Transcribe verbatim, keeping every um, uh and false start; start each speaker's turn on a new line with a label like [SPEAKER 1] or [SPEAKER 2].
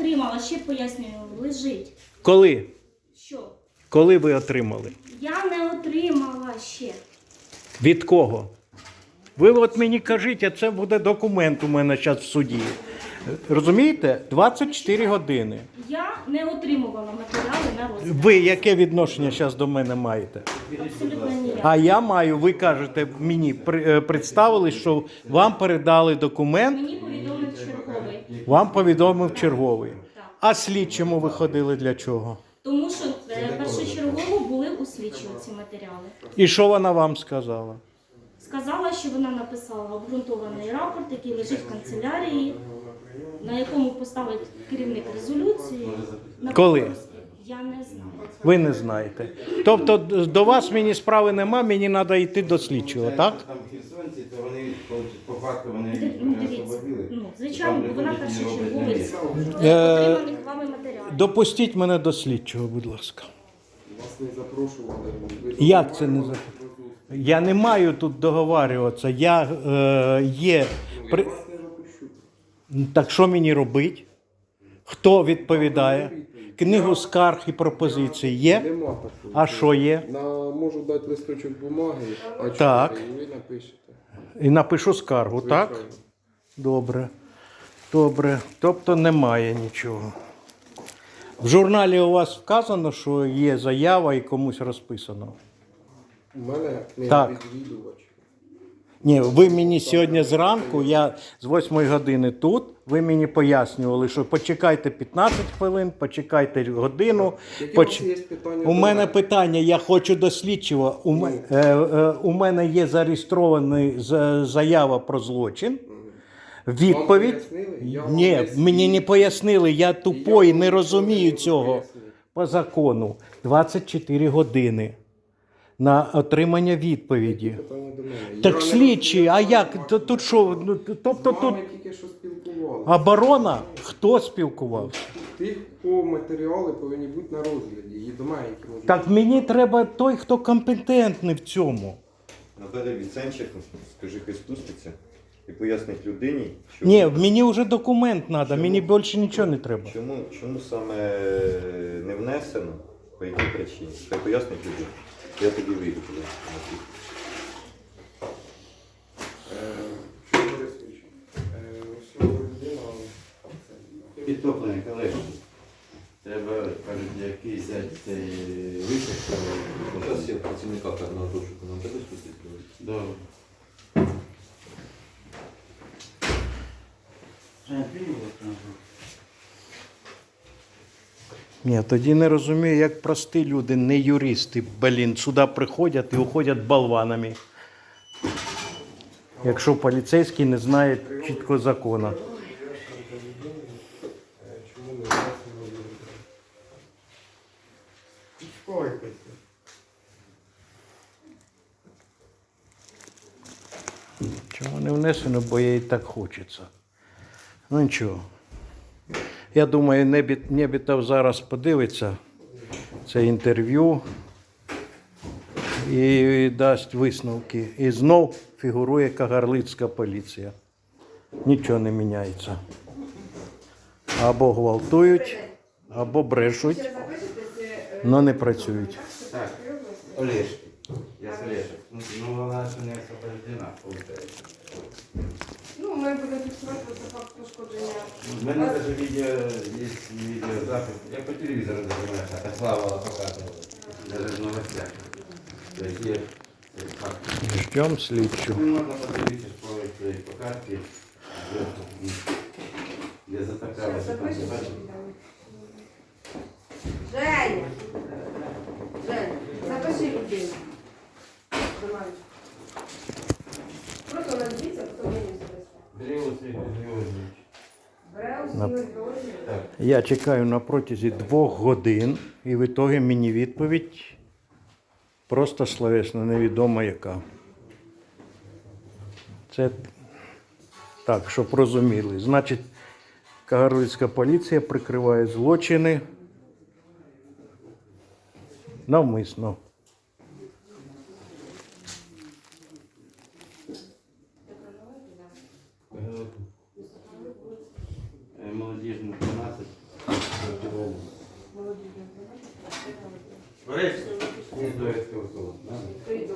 [SPEAKER 1] отримала, ще пояснюю, лежить.
[SPEAKER 2] Коли?
[SPEAKER 1] Що?
[SPEAKER 2] Коли ви отримали?
[SPEAKER 1] Я не отримала ще.
[SPEAKER 2] Від кого? Ви от мені кажіть, а це буде документ у мене зараз в суді. Розумієте? двадцять чотири години.
[SPEAKER 1] Я не отримувала матеріали на розгляд.
[SPEAKER 2] Ви яке відношення зараз до мене маєте?
[SPEAKER 1] Абсолютно ніяк.
[SPEAKER 2] А я маю, ви кажете, мені при- е, представили, що вам передали документ,
[SPEAKER 1] Мені повідомив черговий.
[SPEAKER 2] вам повідомив черговий.
[SPEAKER 1] Так.
[SPEAKER 2] А слідчому ви ходили для чого?
[SPEAKER 1] Тому що е, першочергово були у слідчого ці матеріали.
[SPEAKER 2] І що вона вам сказала?
[SPEAKER 1] Сказала, що вона написала обґрунтований рапорт, який лежить в канцелярії, на якому поставить керівник резолюції. На
[SPEAKER 2] Коли?
[SPEAKER 1] підпис. Я не знаю.
[SPEAKER 2] Ви не знаєте. Тобто до вас мені справи нема, мені треба йти до слідчого, так?
[SPEAKER 3] Там херсонці, то вони по факту вони
[SPEAKER 1] Ди- Ну,
[SPEAKER 3] не
[SPEAKER 1] дивіться,
[SPEAKER 3] освободили.
[SPEAKER 1] ну, звичайно, бо вона першочерговець
[SPEAKER 2] Е,
[SPEAKER 1] отриманих вами матеріалів.
[SPEAKER 2] Допустіть мене до слідчого, будь ласка.
[SPEAKER 4] Вас не запрошували. Ви
[SPEAKER 2] Як це не за? Я не маю тут договарюватися. Я е, є. При...
[SPEAKER 4] вас не запущу.
[SPEAKER 2] Так що мені робити? Хто відповідає? Книгу скарг і пропозицій є?
[SPEAKER 4] Нема такого.
[SPEAKER 2] А що є?
[SPEAKER 4] На, можу дати листочок бумаги, а
[SPEAKER 2] Так.
[SPEAKER 4] чотири, і ви напишете.
[SPEAKER 2] І напишу скаргу, так?
[SPEAKER 4] Звичайно.
[SPEAKER 2] Добре. Добре. Тобто немає нічого. В журналі у вас вказано, що є заява і комусь розписано.
[SPEAKER 4] У мене
[SPEAKER 2] Так.
[SPEAKER 4] відвідувач.
[SPEAKER 2] Ні, ви мені сьогодні зранку, я з восьмої години тут, ви мені пояснювали, що почекайте п'ятнадцять хвилин, почекайте годину.
[SPEAKER 4] Які
[SPEAKER 2] поч-
[SPEAKER 4] у вас є питання?
[SPEAKER 2] У
[SPEAKER 4] до
[SPEAKER 2] мене питання, я хочу до слідчого. У, м- е, е, у мене є зареєстрована з- заява про злочин. Відповідь.
[SPEAKER 4] Вам пояснили? Я вам
[SPEAKER 2] Ні,
[SPEAKER 4] пояснив.
[SPEAKER 2] мені не пояснили, я тупой,
[SPEAKER 4] Я вам
[SPEAKER 2] не розумію
[SPEAKER 4] нічого не
[SPEAKER 2] цього.
[SPEAKER 4] пояснив.
[SPEAKER 2] По закону двадцять чотири години на отримання відповіді.
[SPEAKER 4] Питання до мене.
[SPEAKER 2] Так
[SPEAKER 4] Я не
[SPEAKER 2] слідчі, а
[SPEAKER 4] розглядав
[SPEAKER 2] як?
[SPEAKER 4] ваші
[SPEAKER 2] Т- Тут що? Ну, т- Тобто
[SPEAKER 4] З
[SPEAKER 2] тут
[SPEAKER 4] вами тільки що спілкувалися.
[SPEAKER 2] оборона? Хто спілкувався?
[SPEAKER 4] Тих, по матеріали повинні бути на розгляді. І до мене, які можуть
[SPEAKER 2] Так мені треба той, хто компетентний в цьому.
[SPEAKER 3] Наталя Віценчик, скажи, хай спуститься і пояснить людині, що
[SPEAKER 2] Ні, мені вже документ треба, мені більше нічого не треба.
[SPEAKER 3] чому, чому саме не внесено, по якій причині. Хай пояснить людині. Я тоді вийду туди.
[SPEAKER 4] Е, що Борисович? Е, ось людина, це-
[SPEAKER 5] Підтоплений колеги. Треба, кажуть, якийсь взяти цей випуск.
[SPEAKER 3] Зараз я працівника карного розшуку нам тебе спустити.
[SPEAKER 5] Добре.
[SPEAKER 2] Ні, тоді не розумію, як прості люди, не юристи, блін, сюди приходять і уходять болванами. Якщо поліцейський не знає чітко закону.
[SPEAKER 4] Е, чому не внесено? Успокойтеся.
[SPEAKER 2] Чому не внесено, бо їй так хочеться. Ну нічого. Я думаю, Небіт, Небітов зараз подивиться це інтерв'ю і дасть висновки. І знов фігурує кагарлицька поліція. Нічого не міняється. Або гвалтують, або брешуть, але не працюють.
[SPEAKER 5] Так, Олешки. Я з Олешек. Ну, ну, вона ще не освобождена, виходить.
[SPEAKER 6] Ну, ми будемо фіксувати це факт пошкодження.
[SPEAKER 5] У мене навіть відео, є відеозапис. Я по телевізору дивився, а Слава показувала. Навіть в новостях. Тобто є цей факт.
[SPEAKER 2] Ждемо слідчу.
[SPEAKER 5] Ну, можна подивитися по цій по карті, де- де затоплялося. Там
[SPEAKER 6] Запишеш?
[SPEAKER 5] бачите?
[SPEAKER 6] Женя! Женя, запиши людину. Давай. Просто назвіться, потім мені записати.
[SPEAKER 5] Григорій Григорійович.
[SPEAKER 6] Бреус,
[SPEAKER 2] На-
[SPEAKER 6] Ігор Георгійович.
[SPEAKER 5] Так.
[SPEAKER 2] Я чекаю на протязі двох годин, і в ітогі мені відповідь просто словесно, невідомо яка. Це так, щоб розуміли. Значить, кагарлицька поліція прикриває злочини навмисно.
[SPEAKER 5] Молодіжну дванадцять.
[SPEAKER 6] молодіжної програми.
[SPEAKER 5] Борис, не довідки в